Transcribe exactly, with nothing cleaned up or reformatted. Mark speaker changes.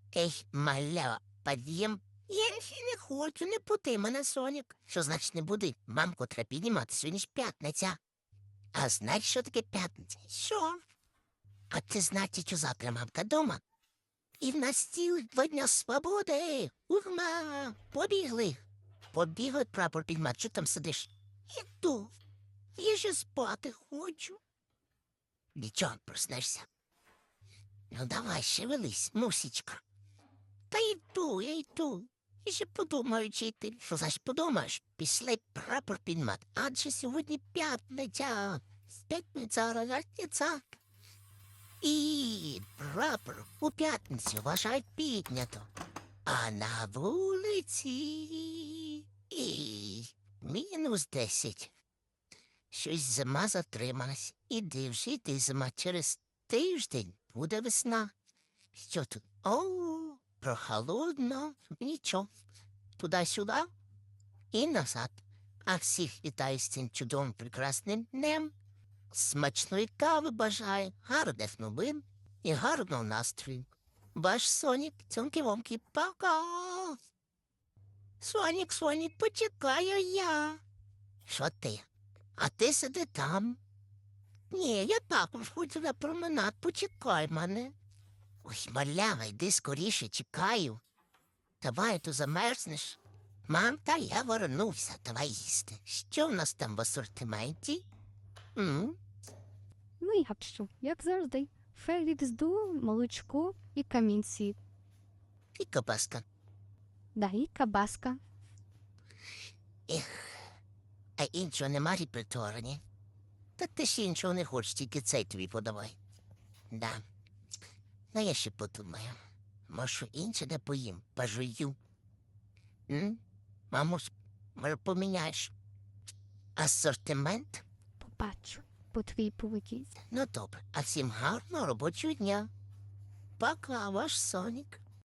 Speaker 1: Ей, маля, під'єм. Я ще не хочу, не пути мене, Сонік. Що значить не буди? Мамку треба піднімати, сьогодні ж п'ятниця. А знаєш, що таке п'ятниця? Що? А ти знаєш, що завтра мамка дома? І в нас цілих два дня свободи. Урма, побігли. Побігли прапор підмати, що там сидиш? Іду. Я ще спати хочу. Нічого, проснешся. Ну давай, шевелись, мусічка. Та йду, я йду. І ще подумаю, чи йти. Що значить подумаєш? Пішли прапор підмати. Адже сьогодні п'ятниця. П'ятниця, разниця. І прапор у п'ятницю вважають піднято. А на вулиці і мінус десять. Щось зима затрималась. Іди вже йди зима. Через тиждень буде весна. Що тут? О, прохолодно. Нічого. Туди-сюди і назад. А всіх вітаю з цим чудовим прекрасним днем. Смачної кави бажаю, гарних новин і гарного настрою. Ваш Сонік, цьомки-вомки, пока. Сонік, Сонік, почекаю я. Що ти? А ти сиди там. Ні, я також хочу на променад, почекай мене. Ой, малява, йди скоріше, чекаю. Давай, то замерзнеш. Мам, та я вернувся, давай їсти. Що в нас там в асортименті? М?
Speaker 2: Ну як що, як завжди. Фелікс-ду, молочко і камінці.
Speaker 1: І кабаска.
Speaker 2: Да, і кабаска.
Speaker 1: Ех, а іншого нема репертуару, ні? Та ти ж іншого не хочеш, тільки цей тобі подавай. Да. Ну, я ще подумаю. Може, інше не поїм, пожую. М? Мамусь, може, поміняєш асортимент?
Speaker 2: Побачу по твоїй поведінці.
Speaker 1: Ну, добре. А всім гарного робочого дня. Пока, ваш Сонік.